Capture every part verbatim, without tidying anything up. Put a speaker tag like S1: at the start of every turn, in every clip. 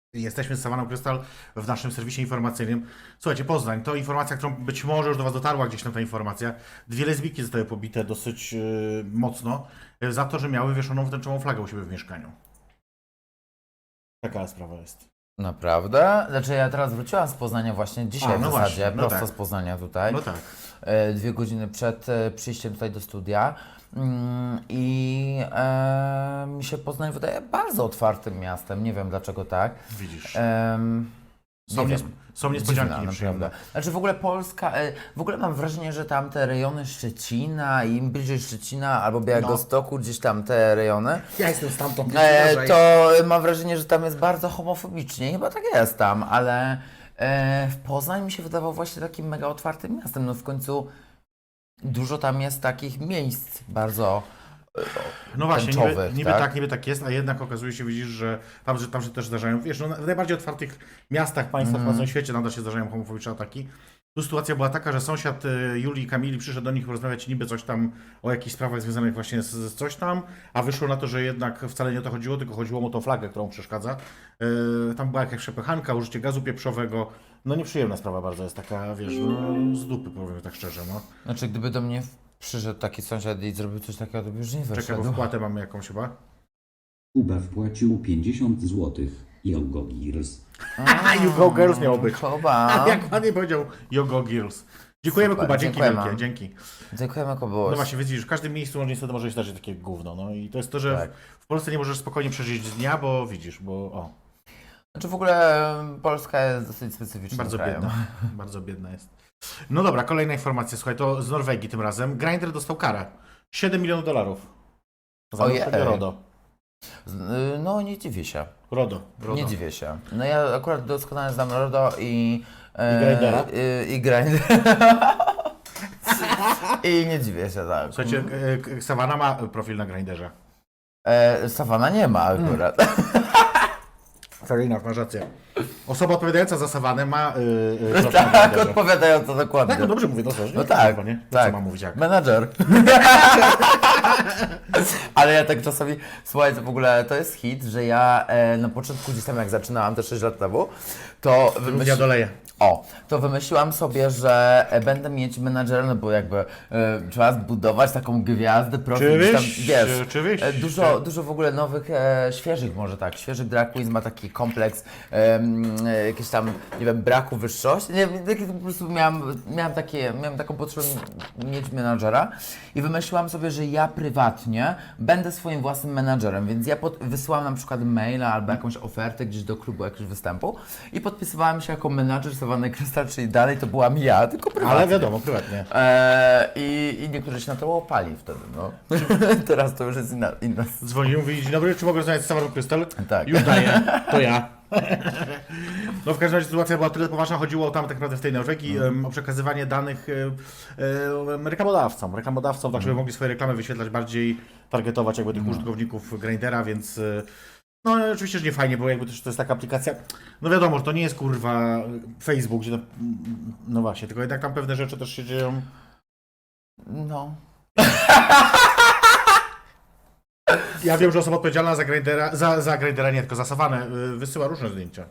S1: Jesteśmy z Savaną Krystal w naszym serwisie informacyjnym. Słuchajcie, Poznań, to informacja, którą być może już do Was dotarła gdzieś tam ta informacja. Dwie lesbijki zostały pobite dosyć yy, mocno yy, za to, że miały wieszoną tęczową flagę u siebie w mieszkaniu. Taka sprawa jest.
S2: Naprawdę? Znaczy ja teraz wróciłam z Poznania właśnie dzisiaj
S1: A, no
S2: w zasadzie,
S1: właśnie, no
S2: prosto
S1: tak.
S2: z Poznania tutaj.
S1: No tak.
S2: E, Dwie godziny przed e, przyjściem tutaj do studia. Mm, I e, mi się Poznań wydaje bardzo otwartym miastem, nie wiem dlaczego tak.
S1: Widzisz.
S2: Em,
S1: Są,
S2: nie
S1: nies
S2: wiem.
S1: są niespodzianki
S2: Dziwna,
S1: nieprzyjemne.
S2: naprawdę. Znaczy w ogóle Polska, e, w ogóle mam wrażenie, że tam te rejony Szczecina i im bliżej Szczecina albo Białegostoku, gdzieś tam te rejony,
S1: Ja jestem stamtąd.
S2: e, to mam wrażenie, że tam jest bardzo homofobicznie. Chyba tak jest tam, ale e, w Poznań mi się wydawał właśnie takim mega otwartym miastem. No w końcu dużo tam jest takich miejsc bardzo
S1: No właśnie, niby,
S2: tęczowych,
S1: niby
S2: tak?
S1: tak, niby tak jest, a jednak okazuje się, widzisz, że tam, że tam się też zdarzają, wiesz, no, w najbardziej otwartych miastach, państwach
S2: Mhm.
S1: mm. na świecie nadal się zdarzają homofobiczne ataki. Tu sytuacja była taka, że sąsiad y, Julii i Kamili przyszedł do nich porozmawiać niby coś tam o jakichś sprawach związanych właśnie z, z coś tam, a wyszło na to, że jednak wcale nie o to chodziło, tylko chodziło mu o tą flagę, którą przeszkadza. Y, tam była jakaś przepychanka, użycie gazu pieprzowego. No nieprzyjemna sprawa bardzo jest taka, wiesz, no, z dupy, powiem tak szczerze, no.
S2: Znaczy gdyby do mnie przyszedł taki sąsiad i zrobił coś takiego, to by już nie
S1: Czekaj,
S2: wyszedł.
S1: bo wpłatę mamy jakąś chyba.
S3: Kuba wpłacił pięćdziesiąt złotych. Yogo Gears.
S1: Haha, you go girls miało być.
S2: Kuba.
S1: Jak ładnie powiedział Yogo Girls. Dziękujemy,
S2: Super,
S1: Kuba, dzięki
S2: dziękujemy.
S1: wielkie, dzięki.
S2: Dziękujemy
S1: No
S2: Kubuś.
S1: właśnie, widzisz, w każdym miejscu niestety może się zdarzyć takie gówno, no i to jest to, że
S2: Tak.
S1: w Polsce nie możesz spokojnie przeżyć dnia, bo widzisz, bo o,
S2: Znaczy w ogóle em, Polska jest dosyć specyficznym
S1: bardzo
S2: krajem.
S1: biedna, bardzo biedna jest. No dobra, kolejna informacja, słuchaj, to z Norwegii tym razem. Grindr dostał karę. siedem milionów dolarów. Za
S2: Ojej.
S1: naruszenie RODO.
S2: Z- y, No nie dziwię się.
S1: RODO. RODO.
S2: Nie dziwię się. No ja akurat doskonale znam RODO i...
S1: I Grindera?
S2: y, I Grindera. I nie dziwię się, tak.
S1: Słuchajcie, e, e, Savana ma profil na Grinderze.
S2: E, Sawana nie ma akurat.
S1: Farina, masz rację. Osoba odpowiadająca za Sawanę ma yy, yy, profil na
S2: Tak,
S1: Grinderze.
S2: odpowiadająco dokładnie.
S1: Tak, no dobrze mówię, to co?
S2: No tak,
S1: Chyba, nie?
S2: tak.
S1: Co mam mówić jak?
S2: Menadżer. Ale ja tak czasami, słuchajcie, w ogóle to jest hit, że ja e, na początku gdzieś tam jak zaczynałam, te sześć lat temu, to
S1: Ja
S2: wymyśliłam,
S1: doleję.
S2: o, to wymyśliłam sobie, że e, będę mieć menadżera, no bo jakby e, trzeba zbudować taką gwiazdę, profil, gdzieś tam,
S1: Oczywiście,
S2: wiesz,
S1: oczywiście.
S2: e, dużo, dużo w ogóle nowych, e, świeżych może tak, świeżych drag queens ma taki kompleks, e, m, e, jakieś tam, nie wiem, braku wyższości, nie wiem, taki, po prostu miałam, miałam, takie, miałam taką potrzebę mieć menadżera i wymyśliłam sobie, że ja prywatnie będę swoim własnym menadżerem, więc ja pod, wysyłam na przykład maila albo jakąś ofertę gdzieś do klubu, jakiegoś występu i podpisywałam się jako menadżer Savany Krystal, czyli dalej to byłam ja, tylko prywatnie.
S1: Ale wiadomo, prywatnie.
S2: Eee, i, I niektórzy się na to łopali wtedy, no. Teraz to już jest inna, inna
S1: Dzwonił, mówi, dzień dobry, czy mogę rozmawiać z Savaną Krystal?
S2: Tak.
S1: Już daję, to ja. No w każdym razie sytuacja była tyle poważna, chodziło tam tak naprawdę w tej Norwegii em, o przekazywanie danych e, e, reklamodawcom, reklamodawcom, tak żeby mogli swoje reklamy wyświetlać bardziej, targetować jakby tych użytkowników Grindera, więc e, no oczywiście, że nie fajnie, bo jakby też to jest taka aplikacja, no wiadomo, że to nie jest kurwa Facebook, gdzie to, no właśnie, tylko jednak tam pewne rzeczy też się dzieją.
S2: No.
S1: Ja wiem, że osoba odpowiedzialna za Grindera, za, za Grindera nie, tylko za Savanę y, wysyła różne zdjęcia.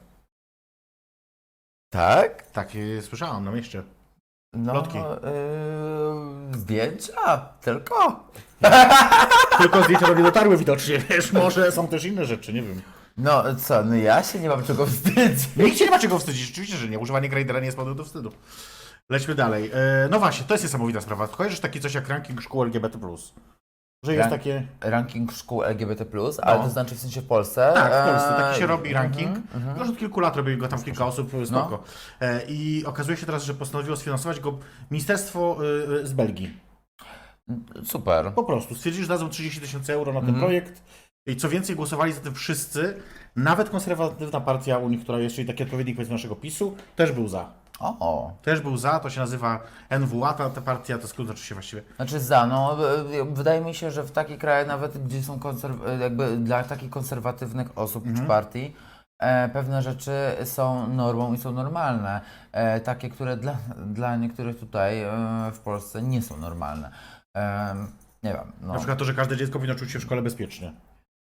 S2: Tak?
S1: Takie słyszałam na mieście.
S2: No,
S1: Plotki.
S2: Yy, zdjęcia? Tylko?
S1: Tylko zdjęcia do mnie dotarły widocznie, wiesz, może są też inne rzeczy, nie wiem.
S2: No co, no ja się nie mam czego wstydzić.
S1: Nikt się nie ma czego wstydzić, oczywiście, że nie. Używanie Grindera nie jest powodem do wstydu. Lećmy dalej. E, no właśnie, to jest niesamowita sprawa. Kojarzysz taki coś jak ranking szkół L G B T plus? Że jest
S2: Rank-
S1: takie...
S2: Ranking szkół L G B T plus, ale
S1: No.
S2: to znaczy w sensie w Polsce?
S1: Tak, w Polsce.
S2: Eee,
S1: Taki się robi ranking.
S2: mhm, mhm.
S1: Już od kilku lat robi go tam kilka osób, spoko. E, I okazuje się teraz, że postanowiło sfinansować go ministerstwo y, y, z Belgii.
S2: Super.
S1: Po prostu stwierdzili, że dadzą trzydzieści tysięcy euro na ten
S2: Mhm.
S1: projekt. I co więcej, głosowali za tym wszyscy. Nawet konserwatywna partia u nich, która jest, czyli taki odpowiednik powiedzmy naszego PiSu, też był za.
S2: O,
S1: Też był za, to się nazywa N W A, ta, ta partia, to skrót oczywiście właściwie.
S2: znaczy za, no y, y, wydaje mi się, że w takich krajach nawet, gdzie są konserw- y, jakby dla takich konserwatywnych osób
S1: Mhm.
S2: czy partii, e, pewne rzeczy są normą i są normalne. E, takie, które dla, dla niektórych tutaj e, w Polsce nie są normalne. E, nie wiem, no.
S1: Na przykład to, że każde dziecko powinno czuć się w szkole bezpiecznie.
S2: Tak.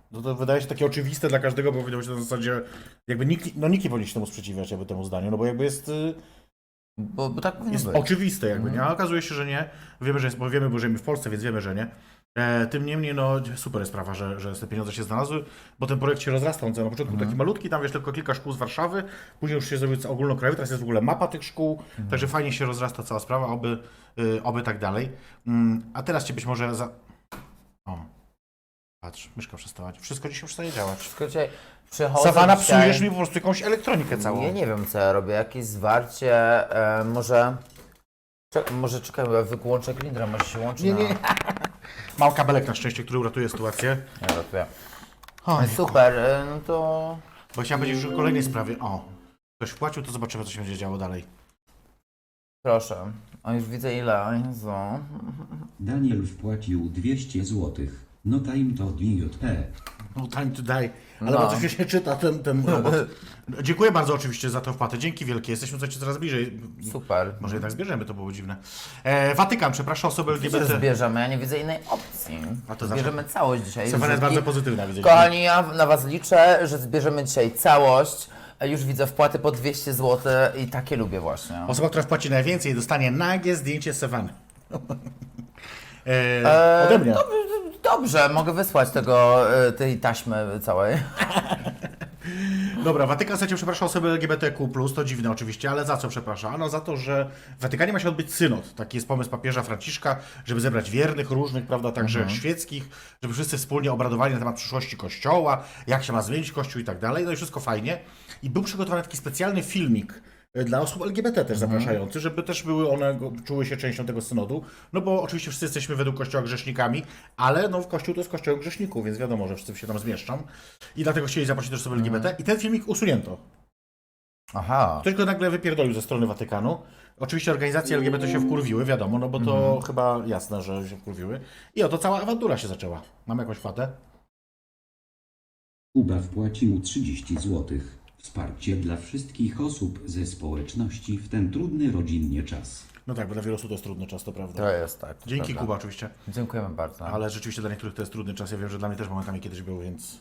S1: To, to wydaje się takie oczywiste dla każdego, bo powiedział się na zasadzie, jakby nikt, no nikt nie powinien się temu sprzeciwiać jakby temu zdaniu, no bo jakby jest, y,
S2: Bo, bo tak powinno
S1: jest
S2: być.
S1: oczywiste jakby, nie? A okazuje się, że nie. Wiemy, że jest, bo wiemy, bo żyjemy w Polsce, więc wiemy, że nie. E, tym niemniej, no super jest sprawa, że, że te pieniądze się znalazły, bo ten projekt się rozrasta. On na początku był taki malutki, tam wiesz, tylko kilka szkół z Warszawy, później już się zrobił ogólnokrajowy, teraz jest w ogóle mapa tych szkół, także fajnie się rozrasta cała sprawa, oby, y, oby tak dalej. Mm, a teraz cię być może za... O, patrz, myszka przestała, wszystko dzisiaj przestaje działać.
S2: Wszystko dzisiaj przychodzę
S1: Sawana,
S2: dzisiaj...
S1: psujesz mi po prostu jakąś elektronikę całą.
S2: Ja nie wiem, co ja robię, jakieś zwarcie, e, może... Czek, może czekaj, ja wyłączę glindra, może się łączy
S1: Nie,
S2: na...
S1: nie. Mam kabelek na szczęście, który uratuje sytuację.
S2: Ja ratuję.
S1: O,
S2: Super, e, no to...
S1: bo chciałem powiedzieć już o kolejnej sprawie. O, ktoś wpłacił, to zobaczymy, co się będzie działo dalej.
S2: Proszę. O, już widzę ile, o Jezu.
S3: Daniel wpłacił dwieście złotych. No time to D J P.
S1: No time to die. Ale
S2: No.
S1: bardzo się czyta ten, ten robot. Dziękuję bardzo oczywiście za tę wpłatę. Dzięki wielkie. Jesteśmy słuchajcie, coraz bliżej.
S2: Super.
S1: Może jednak zbierzemy, to było dziwne. E, Watykan, przepraszam osoby L G B
S2: Że
S1: T.
S2: zbierzemy, ja nie widzę innej opcji.
S1: A to zawsze-
S2: Zbierzemy całość dzisiaj.
S1: Stefania jest
S2: Wszystkich-
S1: bardzo pozytywna, widzę.
S2: Kochani, ja na Was liczę, że zbierzemy dzisiaj całość. Już widzę wpłaty po dwieście złotych i takie lubię właśnie.
S1: Osoba, która wpłaci najwięcej, dostanie nagie zdjęcie Sewany. e, ode mnie.
S2: Dobrze, mogę wysłać tego, y, tej taśmy całej.
S1: Dobra, Watykan, słuchajcie, przepraszam osoby L G B T Q plus, to dziwne oczywiście, ale za co przepraszam? Ano za to, że w Watykanie ma się odbyć synod. Taki jest pomysł papieża Franciszka, żeby zebrać wiernych różnych, prawda, także świeckich, żeby wszyscy wspólnie obradowali na temat przyszłości Kościoła, jak się ma zmienić Kościół i tak dalej. No i wszystko fajnie. I był przygotowany taki specjalny filmik y, dla osób L G B T też zapraszający, żeby też były one, go- czuły się częścią tego synodu. No bo oczywiście wszyscy jesteśmy według Kościoła grzesznikami, ale no w Kościół to jest Kościoł grzeszników, więc wiadomo, że wszyscy się tam zmieszczą. I dlatego chcieli zaprosić też osoby L G B T. I ten filmik usunięto.
S2: Aha.
S1: Ktoś go nagle wypierdolił ze strony Watykanu. Oczywiście organizacje L G B T się wkurwiły, wiadomo, no bo to chyba jasne, że się wkurwiły. I oto cała awantura się zaczęła. Mam jakąś fatę?
S3: Kuba wpłacił trzydzieści złotych. Wsparcie dla wszystkich osób ze społeczności w ten trudny rodzinnie czas.
S1: No tak, bo dla wielu osób to jest trudny czas, to prawda.
S2: To jest tak. to
S1: Dzięki
S2: prawda.
S1: Kuba oczywiście.
S2: Dziękujemy bardzo.
S1: Ale rzeczywiście dla niektórych to jest trudny czas. Ja wiem, że dla mnie też momentami kiedyś był, więc...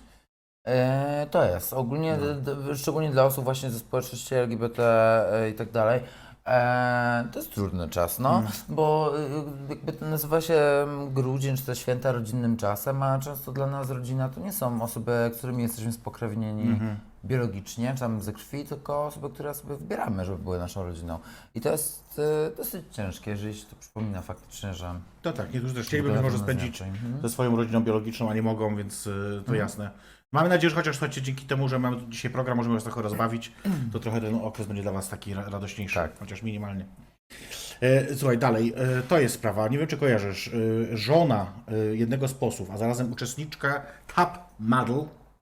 S2: E, to jest. Ogólnie,
S1: No.
S2: d, d, szczególnie dla osób właśnie ze społeczności L G B T e, i tak dalej. E, to jest trudny czas, no,
S1: Mm.
S2: bo y, jakby to nazywa się grudzień, czy te święta rodzinnym czasem, a często dla nas rodzina to nie są osoby, którymi jesteśmy spokrewnieni
S1: Mhm.
S2: biologicznie, czy tam ze krwi, tylko osoby, które sobie wybieramy, żeby były naszą rodziną. I to jest y, dosyć ciężkie, jeżeli się to przypomina faktycznie, że...
S1: To tak, niektórzy też chcieliby być
S2: wygląda
S1: może
S2: to
S1: spędzić
S2: inaczej. Mhm.
S1: ze swoją rodziną biologiczną, a nie mogą, więc y, to jasne. Mamy nadzieję, że chociaż słuchajcie, dzięki temu, że mamy tu dzisiaj program, możemy was trochę rozbawić, to trochę ten okres będzie dla was taki ra- radośniejszy,
S2: Tak.
S1: chociaż minimalnie. E, słuchaj, dalej, e, to jest sprawa, nie wiem czy kojarzysz, e, żona e, jednego z posłów, a zarazem uczestniczka Top Model,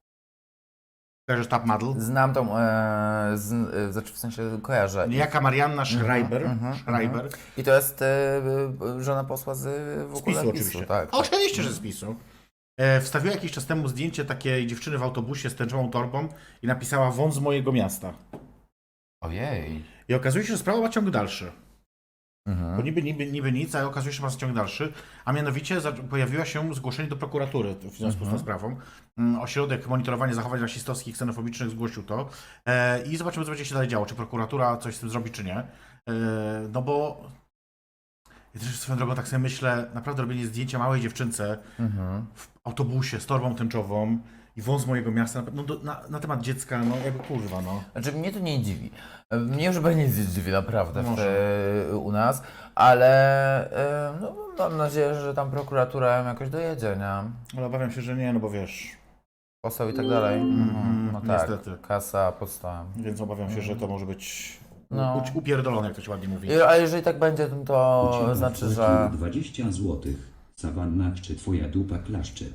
S1: kojarzysz Top Model?
S2: Znam tą, e, z, e, znaczy w sensie kojarzę.
S1: Niejaka Marianna Schreiber,
S2: mhm,
S1: Schreiber
S2: I to jest e, e, żona posła z w
S1: z
S2: ogóle
S1: PiSu
S2: PiSu,
S1: oczywiście.
S2: tak.
S1: Oczywiście, że z PiSu. E, wstawiła jakiś czas temu zdjęcie takiej dziewczyny w autobusie z tęczową torbą i napisała wąt z mojego miasta.
S2: Ojej.
S1: I okazuje się, że sprawa ma ciąg dalszy.
S2: Mhm.
S1: Bo niby, niby, niby nic, ale okazuje się, że ma ciąg dalszy. A mianowicie za, pojawiła się zgłoszenie do prokuratury w związku z tą sprawą. Mm, Ośrodek Monitorowania Zachowań Rasistowskich i Ksenofobicznych zgłosił to. E, I zobaczymy, co będzie się dalej działo. Czy prokuratura coś z tym zrobi, czy nie. E, no bo... Ja też swoją drogą tak sobie myślę, naprawdę robienie zdjęcia małej dziewczynce
S2: Mhm.
S1: w autobusie z torbą tęczową i wąs mojego miasta, no, do, na, na temat dziecka, no jakby kurwa, no.
S2: Znaczy mnie to nie dziwi. Mnie już chyba nic nie dziwi naprawdę w,
S1: Może.
S2: e, u nas, ale e, no, mam nadzieję, że tam prokuratura ją jakoś dojedzie, nie?
S1: Ale obawiam się, że nie, no bo wiesz,
S2: Poseł i tak dalej. Mhm. No tak,
S1: niestety.
S2: kasa podstawem.
S1: więc obawiam się, że to może być
S2: No.
S1: u- upierdolone, jak to się ładnie mówi.
S2: I- A jeżeli tak będzie, to, to
S3: Kuba
S2: znaczy,
S3: wpłacił
S2: że...
S3: dwadzieścia złotych. Sawanna czy twoja dupa klaszcze?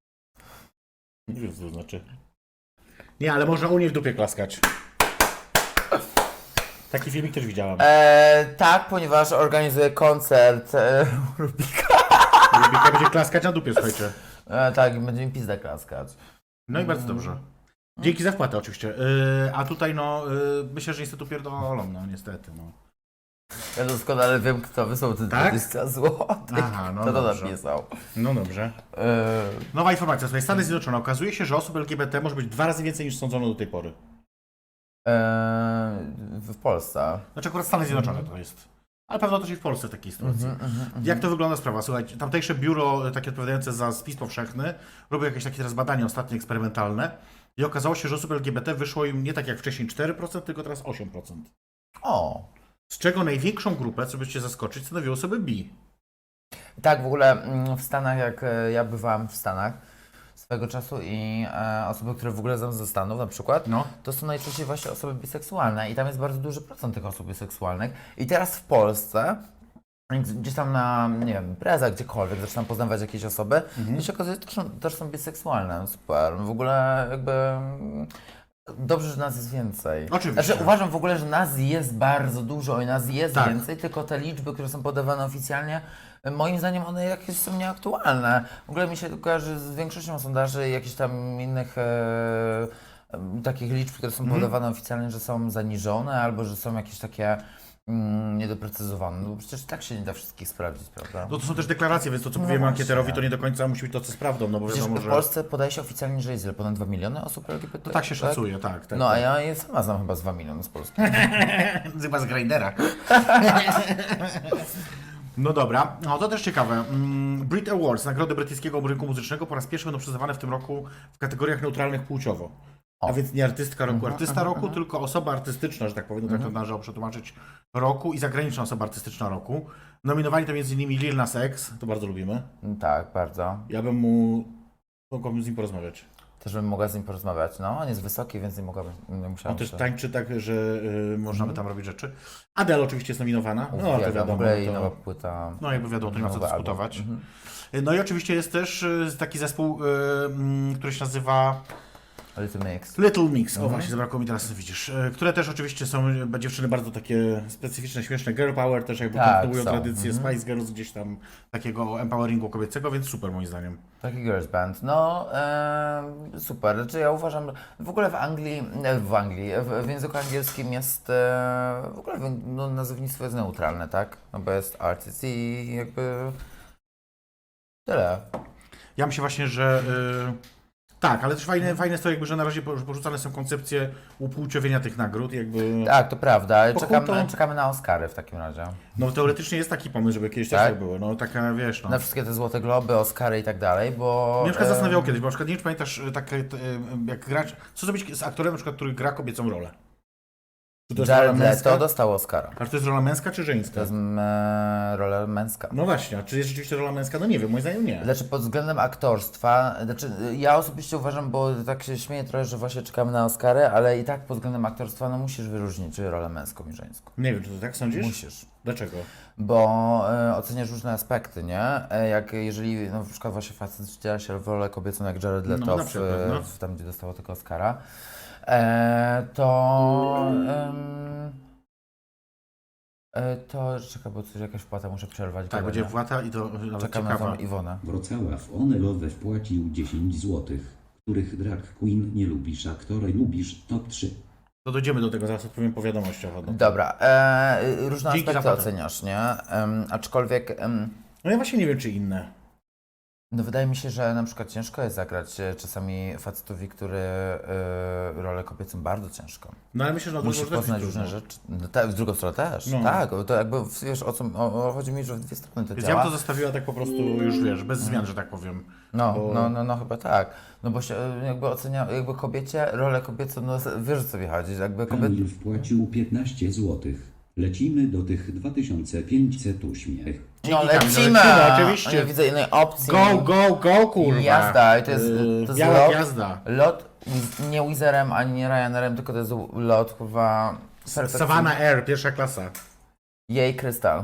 S1: Nie wiem, co to znaczy. Nie, ale można u niej w dupie klaskać. Taki filmik też widziałam.
S2: E, tak, ponieważ organizuję koncert e, Rubika.
S1: Rubika będzie klaskać na dupie, słuchajcie.
S2: E, tak, i będzie mi pizda klaskać.
S1: No i bardzo dobrze. Dzięki za wpłatę oczywiście. Yy, a tutaj no, yy, myślę, że niestety upierdolą, no niestety, no.
S2: Ja doskonale wiem, kto wysłał te
S1: Tak?
S2: dwadzieścia złotych.
S1: Aha, no
S2: Kto to
S1: dobrze.
S2: napisał?
S1: No dobrze.
S2: Yy,
S1: Nowa informacja, słuchaj, Stany Zjednoczone. Okazuje się, że osób L G B T może być dwa razy więcej niż sądzono do tej pory.
S2: yy, w Polsce.
S1: Znaczy akurat Stany Zjednoczone to jest. Ale pewno też i w Polsce w takiej sytuacji. Jak to wygląda sprawa? Słuchaj, tamtejsze biuro takie odpowiadające za spis powszechny robiło jakieś takie teraz badania ostatnie eksperymentalne i okazało się, że osób L G B T wyszło im nie tak jak wcześniej cztery procent, tylko teraz osiem procent.
S2: O!
S1: Z czego największą grupę, co byście zaskoczyć, stanowiły osoby bi.
S2: Tak, w ogóle mm, w Stanach, jak e, ja bywałam w Stanach swego czasu i e, osoby, które w ogóle są ze Stanów na przykład,
S1: No.
S2: to są najczęściej właśnie osoby biseksualne i tam jest bardzo duży procent tych osób biseksualnych. I teraz w Polsce, jak gdzieś tam na, nie wiem, imprezach, gdziekolwiek, zaczynam poznawać jakieś osoby i się okazuje, że też są, też są biseksualne. Super. W ogóle jakby... mm, Dobrze, że nas jest więcej.
S1: Oczywiście.
S2: Znaczy, uważam w ogóle, że nas jest bardzo dużo i nas jest
S1: Tak.
S2: więcej, tylko te liczby, które są podawane oficjalnie, moim zdaniem one jakieś są nieaktualne. W ogóle mi się kojarzy z większością sondaży i jakichś tam innych e, e, takich liczb, które są
S1: Mhm.
S2: podawane oficjalnie, że są zaniżone albo że są jakieś takie mm, niedoprecyzowane. No bo przecież tak się nie da wszystkich sprawdzić, prawda?
S1: No to są też deklaracje, więc to co
S2: No
S1: powiemy
S2: właśnie.
S1: ankieterowi to nie do końca musi być to, co z prawdą, no bo
S2: Przecież
S1: wiadomo,
S2: w
S1: że...
S2: Polsce podaje się oficjalnie, że jest ile? Ponad dwa miliony osób L G B T?
S1: To tak się szacuje, tak. tak
S2: No a
S1: tak.
S2: ja je sama znam chyba z dwa miliony z Polski.
S1: Chyba z Grindera. No dobra, no to też ciekawe. Mm, Brit Awards, nagrody brytyjskiego rynku muzycznego, po raz pierwszy będą przyznawane w tym roku w kategoriach neutralnych płciowo. A
S2: O.
S1: więc nie artystka roku,
S2: Mhm,
S1: artysta
S2: mhm,
S1: roku,
S2: mhm.
S1: tylko osoba artystyczna, że tak powiem, tak to należało przetłumaczyć, roku i zagraniczna osoba artystyczna roku. Nominowani to między innymi Lil Nas X, to bardzo lubimy.
S2: Tak, bardzo.
S1: Ja bym mu... Mogłabym z nim porozmawiać.
S2: Też bym mogła z nim porozmawiać. No, on jest wysoki, więc nie mogłabym, nie
S1: On
S2: musiałam
S1: też
S2: się...
S1: tańczy tak, że y, można by tam robić rzeczy. Adele oczywiście jest nominowana. No to
S2: Uwielbiam.
S1: wiadomo.
S2: W ogóle jej
S1: to...
S2: nowa płyta.
S1: No jakby wiadomo, to nie ma co
S2: nowy album.
S1: dyskutować.
S2: Mhm.
S1: No i oczywiście jest też y, taki zespół, y, mm, który się nazywa
S2: Little Mix.
S1: Little Mix. O
S2: Mhm.
S1: właśnie, zabrakło mi teraz, widzisz. Y, Które też oczywiście są y, dziewczyny bardzo takie specyficzne, śmieszne. Girl Power też jakby
S2: Tak,
S1: kontynuują
S2: są.
S1: tradycję
S2: Mhm.
S1: Spice Girls gdzieś tam takiego empoweringu kobiecego, więc super moim zdaniem.
S2: Taki girls band. No, e, super. Znaczy ja uważam, że w ogóle w Anglii, e, w Anglii, w, w języku angielskim jest, e, w ogóle no, nazewnictwo jest neutralne, tak? No bo jest artist i jakby tyle.
S1: Ja myślę właśnie, że y, tak, ale też fajne, fajne jest to jakby, że na razie porzucane są koncepcje upłciowienia tych nagród, jakby...
S2: Tak, to prawda.
S1: Po
S2: Czekamy,
S1: chuj to-
S2: czekamy na Oscary w takim razie.
S1: No teoretycznie jest taki pomysł, żeby kiedyś też
S2: Tak?
S1: tak było. No taka, wiesz, no.
S2: Na wszystkie te Złote Globy, Oscary i tak dalej, bo...
S1: Mnie na przykład
S2: em,
S1: zastanawiało kiedyś, bo na przykład nie wiem, czy pamiętasz, y, tak, y, jak grać, co zrobić z aktorem, na przykład, który gra kobiecą rolę? Czy to jest rola
S2: Jared
S1: męska?
S2: Leto dostał Oscara.
S1: A czy to jest rola męska czy
S2: To
S1: żeńska?
S2: jest e, rola męska.
S1: No właśnie, a czy jest rzeczywiście rola męska? No nie wiem, moim zdaniem nie.
S2: Znaczy pod względem aktorstwa, znaczy ja osobiście uważam, bo tak się śmieję trochę, że właśnie czekamy na Oscary, ale i tak pod względem aktorstwa no musisz wyróżnić rolę męską i żeńską.
S1: Nie wiem, czy ty tak sądzisz?
S2: Musisz.
S1: Dlaczego?
S2: Bo e, oceniasz różne aspekty, nie? E, jak jeżeli no, na przykład właśnie facet wciela się w rolę kobiecą jak Jared
S1: No,
S2: Leto
S1: na
S2: w,
S1: przykład, no.
S2: w, tam, gdzie dostało tego Oscara, e, to... em, e, to czekaj, bo coś jakaś wpłata muszę przerwać.
S1: Tak,
S2: gadanie.
S1: będzie Włata i to nawet
S2: Czekam na
S1: ciekawa.
S2: tą Iwonę.
S3: Wrocław Onelowe wpłacił dziesięć złotych, których drag queen nie lubisz, a które lubisz top trzy.
S1: To dojdziemy do tego, zaraz odpowiem po wiadomościach. No,
S2: Dobra, e, różne
S1: Dzięki za
S2: aspekty
S1: fotę.
S2: oceniasz, nie? Em, aczkolwiek, em,
S1: no ja właśnie nie wiem, czy inne.
S2: no wydaje mi się, że na przykład ciężko jest zagrać e, czasami facetowi, który e, rolę kobiecą bardzo ciężko.
S1: No ale myślę, że na
S2: Musisz
S1: drugą
S2: poznać
S1: też
S2: różne
S1: trudno.
S2: rzeczy. No, tak, w drugą stronę też.
S1: No.
S2: Tak, to jakby wiesz o co o, o, chodzi mi, że w dwie strony to
S1: Więc ja
S2: działa.
S1: bym to zostawiła tak po prostu już, wiesz, bez zmian, że tak powiem.
S2: No,
S1: bo-
S2: no, no, no chyba tak. No bo się e, jakby ocenia, jakby kobiecie rolę kobiecą, no wiesz o co mi chodzi, że jakby kobiet...
S3: Kamil wpłacił piętnaście złotych. Lecimy do tych dwa tysiące pięćset uśmiech.
S2: No
S1: Dzięki, Kamil,
S2: lecimy!
S1: lecimy, oczywiście.
S2: Nie widzę innej opcji.
S1: Go, go, go, kurwa!
S2: Jazda, i to jest-
S1: Yy,
S2: to jest
S1: biała
S2: lot.
S1: gwiazda.
S2: Lot Wiz- nie Wizerem ani nie Ryanerem, tylko to jest lot chyba perfekcyjny.
S1: Savannah Air, pierwsza klasa.
S2: Jej krystal.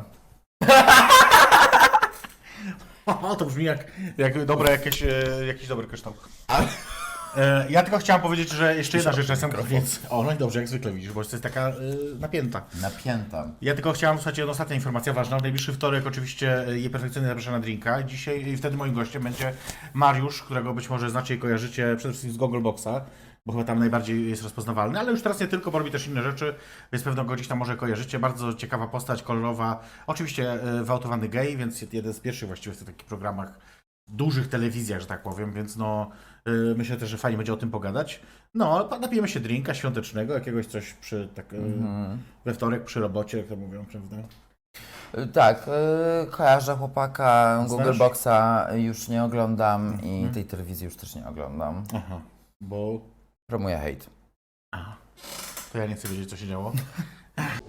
S1: O, to brzmi jak, jak dobre jakieś, e, jakiś dobry kryształ. E, ja tylko chciałem powiedzieć, że jeszcze jedna rzecz na sam koniec. O, no i dobrze, jak zwykle widzisz, bo to jest taka e, napięta.
S2: Napięta.
S1: Ja tylko chciałem, słuchajcie, jedna ostatnia informacja ważna. W najbliższy wtorek oczywiście jej perfekcyjnie zapraszam na drinka. Dzisiaj i wtedy moim gościem będzie Mariusz, którego być może znacie i kojarzycie przede wszystkim z Goggleboxa, bo chyba tam najbardziej jest rozpoznawalny, ale już teraz nie tylko, bo robi też inne rzeczy, więc pewno go gdzieś tam może kojarzycie. Bardzo ciekawa postać, kolorowa. Oczywiście e, wyautowany gej, więc jeden z pierwszych właściwie w tych takich programach, dużych telewizjach, że tak powiem, więc no e, myślę też, że fajnie będzie o tym pogadać. No, napijemy się drinka świątecznego, jakiegoś coś przy, tak, e,
S2: Mhm.
S1: we wtorek przy robocie, jak to mówią, prawda?
S2: Y, Tak, y, kojarzę chłopaka,
S1: Znasz?
S2: Google Boxa już nie oglądam i
S1: Mhm.
S2: tej telewizji już też nie oglądam.
S1: Aha, bo...
S2: Promuję hejt.
S1: Aha. To ja nie chcę wiedzieć, co się działo.